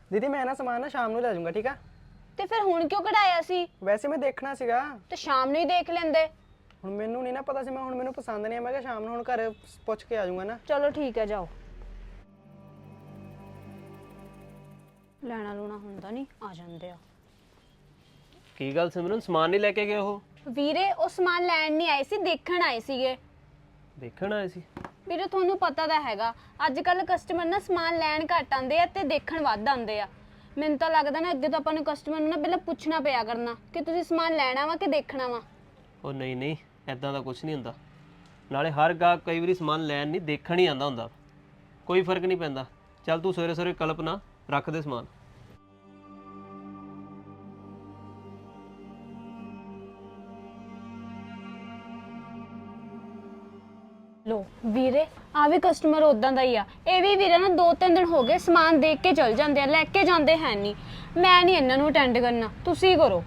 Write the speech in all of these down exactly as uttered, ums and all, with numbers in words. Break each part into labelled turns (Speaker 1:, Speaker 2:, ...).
Speaker 1: दीदी मैं ना सामान ना शाम ਨੂੰ ਲੈ ਜਾਊਂਗਾ ਠੀਕ ਆ।
Speaker 2: ਤੇ ਫਿਰ ਹੁਣ ਕਿਉਂ ਕਢਾਇਆ ਸੀ?
Speaker 1: ਵੈਸੇ ਮੈਂ ਦੇਖਣਾ ਸੀਗਾ।
Speaker 2: ਤੇ ਸ਼ਾਮ ਨੂੰ ਹੀ ਦੇਖ ਲੈਂਦੇ।
Speaker 1: ਹੁਣ ਮੈਨੂੰ ਨਹੀਂ ਨਾ ਪਤਾ ਸੀ, ਮੈਂ ਹੁਣ ਮੈਨੂੰ ਪਸੰਦ ਨਹੀਂ ਆ, ਮੈਂ ਕਿਹਾ ਸ਼ਾਮ ਨੂੰ ਹੁਣ ਘਰ ਪੁੱਛ ਕੇ ਆ ਜਾਊਂਗਾ ਨਾ।
Speaker 2: ਚਲੋ ਠੀਕ ਹੈ ਜਾਓ। ਲੈਣਾ ਲੂਣਾ ਹੁੰਦਾ ਨਹੀਂ, ਆ ਜਾਂਦੇ ਆ।
Speaker 3: ਕੀ ਗੱਲ ਸਿਮਰਨ, ਸਮਾਨ ਨਹੀਂ ਲੈ ਕੇ ਗਏ ਉਹ?
Speaker 2: ਵੀਰੇ ਉਹ ਸਮਾਨ ਲੈਣ ਨਹੀਂ ਆਏ ਸੀ, ਦੇਖਣ ਆਏ ਸੀਗੇ।
Speaker 3: ਦੇਖਣ ਆਏ ਸੀ?
Speaker 2: ਵੀਰੇ ਤੁਹਾਨੂੰ ਪਤਾ ਤਾਂ ਹੈਗਾ ਅੱਜ ਕੱਲ ਕਸਟਮਰ ਨਾ ਸਮਾਨ ਲੈਣ ਘੱਟ ਆਉਂਦੇ ਆ ਤੇ ਦੇਖਣ ਵੱਧ ਆਉਂਦੇ ਆ। ਮੈਨੂੰ ਤਾਂ ਲੱਗਦਾ ਨਾ ਅੱਗੇ ਤੋਂ ਆਪਾਂ ਨੂੰ ਕਸਟਮਰ ਨੂੰ ਨਾ ਪਹਿਲਾਂ ਪੁੱਛਣਾ ਪਿਆ ਕਰਨਾ ਕਿ ਤੁਸੀਂ ਸਮਾਨ ਲੈਣਾ ਵਾ ਕਿ ਦੇਖਣਾ ਵਾ।
Speaker 3: ਉਹ ਨਹੀਂ ਨਹੀਂ, ਐਦਾਂ ਦਾ ਕੁਝ ਨਹੀਂ ਹੁੰਦਾ। ਨਾਲੇ ਹਰ ਗਾਹਕ ਕਈ ਵਾਰੀ ਸਮਾਨ ਲੈਣ ਨਹੀਂ ਦੇਖਣ ਹੀ ਆਉਂਦਾ ਹੁੰਦਾ, ਕੋਈ ਫਰਕ ਨਹੀਂ ਪੈਂਦਾ। ਚੱਲ ਤੂੰ ਸਵੇਰੇ ਸਵੇਰੇ ਕਲਪਨਾ ਰੱਖ ਦੇ ਸਮਾਨ।
Speaker 2: ਲੋ ਵੀਰੇ ਆ ਵੀ ਕਸਟਮਰ ਉਦਾਂ ਦਾ ਹੀ ਆ। ਇਹ ਵੀ ਵੀਰੇ ਨਾ ਦੋ ਤਿੰਨ ਦਿਨ ਹੋ ਗਏ ਸਮਾਨ ਦੇਖ ਕੇ ਚਲ ਜਾਂਦੇ ਆ, ਲੈ ਕੇ ਜਾਂਦੇ ਹੈ ਨਹੀਂ। ਮੈਂ ਨਹੀਂ ਇਹਨਾਂ ਨੂੰ ਅਟੈਂਡ ਕਰਨਾ, ਤੁਸੀਂ ਕਰੋ।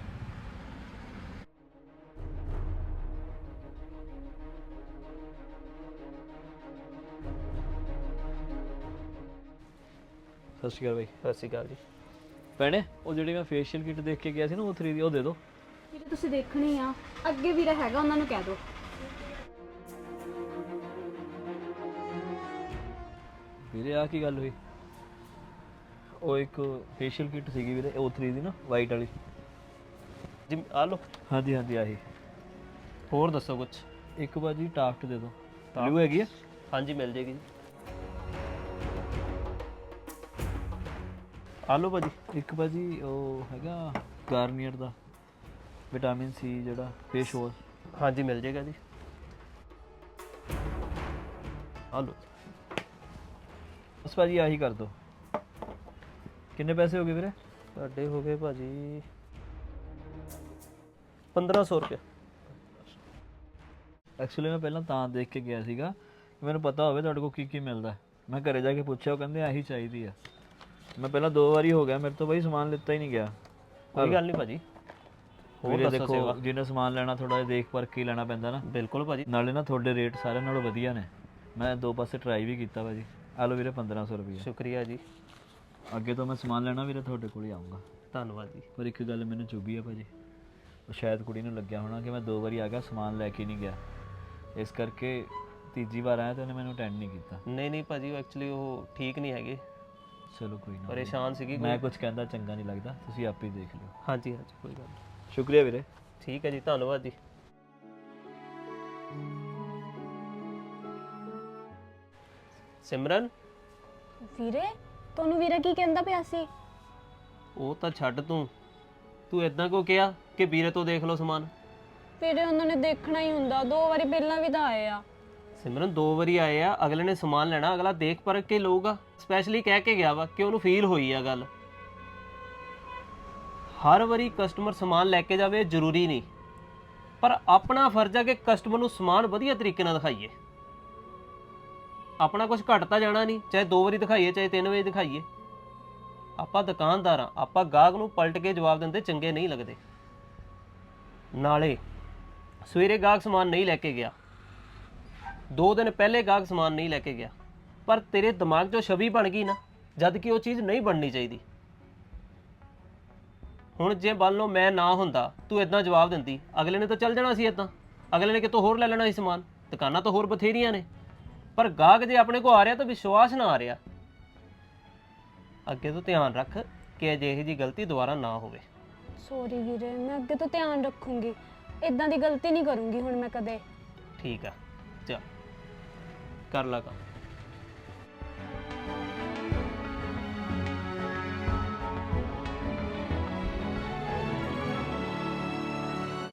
Speaker 4: ਸਤਿ ਸ਼੍ਰੀ ਅਕਾਲ ਬਾਈ।
Speaker 3: ਸਤਿ ਸ਼੍ਰੀ ਅਕਾਲ ਜੀ।
Speaker 4: ਭੈਣੇ ਉਹ ਜਿਹੜੀ ਮੈਂ ਫੇਸ਼ੀਅਲ ਕਿੱਟ ਦੇਖ ਕੇ ਗਿਆ ਸੀ ਨਾ ਉਹ ਥਰੀ ਦੀ ਉਹ ਦੇ ਦਿਓ।
Speaker 2: ਵੀਰੇ ਤੁਸੀਂ ਦੇਖਣੀ ਆ, ਅੱਗੇ ਵੀਰੇ ਹੈਗਾ ਉਹਨਾਂ ਨੂੰ ਕਹਿ ਦਿਓ।
Speaker 4: ਵੀਰੇ ਆ ਕੀ ਗੱਲ ਹੋਈ? ਉਹ ਇੱਕ ਫੇਸ਼ੀਅਲ ਕਿੱਟ ਸੀਗੀ ਵੀਰੇ ਉਹ ਥਰੀ ਦੀ ਨਾ ਵਾਈਟ ਵਾਲੀ।
Speaker 3: ਜੀ ਆ ਲਓ।
Speaker 4: ਹਾਂਜੀ ਹਾਂਜੀ ਆਹੀ।
Speaker 3: ਹੋਰ ਦੱਸੋ ਕੁਝ?
Speaker 4: ਇੱਕ ਬਾਜੀ ਟਾਫਟ ਦੇ ਦਿਓ। ਬਲੂ ਹੈਗੀ ਆ?
Speaker 3: ਹਾਂਜੀ ਮਿਲ ਜੇਗੀ ਜੀ। ਆ ਲਓ ਭਾਜੀ।
Speaker 4: ਇੱਕ ਬਾਜੀ ਉਹ ਹੈਗਾ ਗਾਰਨੀਅਰ ਦਾ ਵਿਟਾਮਿਨ ਸੀ ਜਿਹੜਾ ਫੇਸ ਵਾਸ਼।
Speaker 3: ਹਾਂਜੀ ਮਿਲ ਜੇਗਾ ਜੀ। ਆ ਲਓ।
Speaker 4: ਬਸ ਭਾਜੀ ਆਹੀ ਕਰ ਦਿਓ। ਕਿੰਨੇ ਪੈਸੇ ਹੋ ਗਏ ਵੀਰੇ?
Speaker 3: ਤੁਹਾਡੇ ਹੋ ਗਏ ਭਾਜੀ ਪੰਦਰਾਂ ਸੌ ਰੁਪਏ।
Speaker 4: ਐਕਚੁਅਲੀ ਮੈਂ ਪਹਿਲਾਂ ਤਾਂ ਦੇਖ ਕੇ ਗਿਆ ਸੀਗਾ ਕਿ ਮੈਨੂੰ ਪਤਾ ਹੋਵੇ ਤੁਹਾਡੇ ਕੋਲ ਕੀ ਕੀ ਮਿਲਦਾ। ਮੈਂ ਘਰੇ ਜਾ ਕੇ ਪੁੱਛਿਆ, ਉਹ ਕਹਿੰਦੇ ਆਹੀ ਚਾਹੀਦੀ ਆ। ਮੈਂ ਪਹਿਲਾਂ ਦੋ ਵਾਰੀ ਹੋ ਗਿਆ ਮੇਰੇ ਤੋਂ ਬਾਈ ਸਮਾਨ ਲਿੱਤਾ ਹੀ ਨਹੀਂ ਗਿਆ।
Speaker 3: ਕੋਈ ਗੱਲ ਨਹੀਂ ਭਾਜੀ। ਹੋਰ
Speaker 4: ਵੀਰੇ
Speaker 3: ਦੱਸੋ ਸੇਵਾ।
Speaker 4: ਦੇਖੋ ਜਿਹਨੇ ਸਮਾਨ ਲੈਣਾ ਥੋੜਾ ਜਿਹਾ ਦੇਖ ਪਰਖ ਕੇ ਲੈਣਾ ਪੈਂਦਾ ਨਾ।
Speaker 3: ਬਿਲਕੁਲ ਭਾਜੀ।
Speaker 4: ਨਾਲੇ ਨਾ ਤੁਹਾਡੇ ਰੇਟ ਸਾਰਿਆਂ ਨਾਲੋਂ ਵਧੀਆ ਨੇ। ਮੈਂ ਦੋ ਪਾਸੇ ਟਰਾਈ ਵੀ ਕੀਤਾ ਭਾਜੀ। ਆ ਲਓ ਵੀਰੇ ਪੰਦਰਾਂ ਸੌ ਰੁਪਏ।
Speaker 3: ਸ਼ੁਕਰੀਆ ਜੀ।
Speaker 4: ਅੱਗੇ ਤੋਂ ਮੈਂ ਸਮਾਨ ਲੈਣਾ ਵੀਰੇ ਤੁਹਾਡੇ ਕੋਲ ਹੀ ਆਊਂਗਾ।
Speaker 3: ਧੰਨਵਾਦ ਜੀ।
Speaker 4: ਪਰ ਇੱਕ ਗੱਲ ਮੈਨੂੰ ਚੁੱਭੀ ਆ ਭਾਜੀ, ਉਹ ਸ਼ਾਇਦ ਕੁੜੀ ਨੂੰ ਲੱਗਿਆ ਹੋਣਾ ਕਿ ਮੈਂ ਦੋ ਵਾਰੀ ਆ ਗਿਆ ਸਮਾਨ ਲੈ ਕੇ ਨਹੀਂ ਗਿਆ, ਇਸ ਕਰਕੇ ਤੀਜੀ ਵਾਰ ਆਇਆ ਤੇ ਉਹਨੇ ਮੈਨੂੰ ਅਟੈਂਡ ਨਹੀਂ ਕੀਤਾ।
Speaker 3: ਨਹੀਂ ਨਹੀਂ ਭਾਜੀ, ਉਹ ਐਕਚੁਅਲੀ ਉਹ ਠੀਕ ਨਹੀਂ ਹੈਗੇ,
Speaker 4: ਚਲੋ ਕੋਈ ਨਾ,
Speaker 3: ਪਰੇਸ਼ਾਨ ਸੀਗੀ।
Speaker 4: ਮੈਂ ਕੁਝ ਕਹਿੰਦਾ ਚੰਗਾ ਨਹੀਂ ਲੱਗਦਾ, ਤੁਸੀਂ ਆਪੇ ਹੀ ਦੇਖ ਲਿਓ।
Speaker 3: ਹਾਂਜੀ ਹਾਂਜੀ ਕੋਈ ਗੱਲ ਨਹੀਂ।
Speaker 4: ਸ਼ੁਕਰੀਆ ਵੀਰੇ।
Speaker 3: ਠੀਕ ਹੈ ਜੀ, ਧੰਨਵਾਦ ਜੀ। ਸਿਮਰਨ,
Speaker 2: ਵੀਰੇ ਤੁਹਾਨੂੰ ਵੀਰਾ ਕੀ ਕਹਿੰਦਾ ਪਿਆ ਸੀ?
Speaker 3: ਉਹ ਤਾਂ ਛੱਡ ਤੂੰ ਤੂੰ ਇਦਾਂ ਕਿਉਂ ਕਿਹਾ ਕਿ ਵੀਰੇ ਤੋਂ ਦੇਖ ਲਓ ਸਮਾਨ?
Speaker 2: ਵੀਰੇ ਉਹਨਾਂ ਨੇ ਦੇਖਣਾ ਹੀ ਹੁੰਦਾ, ਦੋ ਵਾਰੀ ਪਹਿਲਾਂ ਵੀ ਤਾਂ ਆਏ ਆ।
Speaker 3: ਸਿਮਰਨ ਦੋ ਵਾਰੀ ਆਏ ਆ, ਅਗਲੇ ਨੇ ਸਮਾਨ ਲੈਣਾ, ਅਗਲਾ ਦੇਖ ਪਰਖ ਕੇ ਲਊਗਾ। ਸਪੈਸ਼ਲੀ ਕਹਿ ਕੇ ਗਿਆ ਵਾ ਕਿ ਉਹਨੂੰ ਫੀਲ ਹੋਈ ਆ ਗੱਲ। ਹਰ ਵਾਰੀ ਕਸਟਮਰ ਸਮਾਨ ਲੈ ਕੇ ਜਾਵੇ ਜ਼ਰੂਰੀ ਨਹੀਂ, ਪਰ ਆਪਣਾ ਫਰਜ਼ ਆ ਕਿ ਕਸਟਮਰ ਨੂੰ ਸਮਾਨ ਵਧੀਆ ਤਰੀਕੇ ਨਾਲ ਦਿਖਾਈਏ। ਆਪਣਾ ਕੁਝ ਘਟਦਾ ਜਾਣਾ ਨਹੀਂ, ਚਾਹੇ ਦੋ ਵਾਰੀ ਦਿਖਾਈਏ ਚਾਹੇ ਤਿੰਨ ਵਾਰੀ ਦਿਖਾਈਏ। ਆਪਾਂ ਦੁਕਾਨਦਾਰ ਆ, ਆਪਾਂ ਗਾਹਕ ਨੂੰ ਪਲਟ ਕੇ ਜਵਾਬ ਦਿੰਦੇ ਚੰਗੇ ਨਹੀਂ ਲੱਗਦੇ। ਨਾਲੇ ਸਵੇਰੇ ਗਾਹਕ ਸਮਾਨ ਨਹੀਂ ਲੈ ਕੇ ਗਿਆ, ਦੋ ਦਿਨ ਪਹਿਲੇ ਗਾਹਕ ਸਮਾਨ ਨਹੀਂ ਲੈ ਕੇ ਗਿਆ, ਪਰ ਤੇਰੇ ਦਿਮਾਗ 'ਚੋਂ ਛਵੀ ਬਣ ਗਈ ਨਾ, ਜਦ ਕਿ ਉਹ ਚੀਜ਼ ਨਹੀਂ ਬਣਨੀ ਚਾਹੀਦੀ। ਹੁਣ ਜੇ ਮੰਨ ਲਓ ਮੈਂ ਨਾ ਹੁੰਦਾ, ਤੂੰ ਇਦਾਂ ਜਵਾਬ ਦਿੰਦੀ, ਅਗਲੇ ਨੇ ਤਾਂ ਚੱਲ ਜਾਣਾ ਸੀ ਇਦਾਂ, ਅਗਲੇ ਨੇ ਕਿਤੋਂ ਹੋਰ ਲੈ ਲੈਣਾ ਸੀ ਸਮਾਨ। ਦੁਕਾਨਾਂ ਤਾਂ ਹੋਰ ਬਥੇਰੀਆਂ ਨੇ, ਪਰ ਗਾਹਕ ਜੇ ਆਪਣੇ ਕੋਲ ਆ ਰਿਹਾ ਤਾਂ ਵਿਸ਼ਵਾਸ ਨਾ ਆ ਰਿਹਾ। ਅੱਗੇ ਤੋਂ ਧਿਆਨ ਰੱਖ ਕਿ ਅਜਿਹੀ ਜੀ ਗਲਤੀ ਦੁਬਾਰਾ ਨਾ ਹੋਵੇ।
Speaker 2: ਸੌਰੀ ਵੀਰੇ, ਮੈਂ ਅੱਗੇ ਤੋਂ ਧਿਆਨ ਰੱਖੂੰਗੀ, ਇਦਾਂ ਦੀ ਗਲਤੀ ਨਹੀਂ ਕਰੂੰਗੀ ਹੁਣ ਮੈਂ ਕਦੇ।
Speaker 3: ਠੀਕ ਆ, ਚੱਲ ਕਰ ਲਾ ਕੰਮ।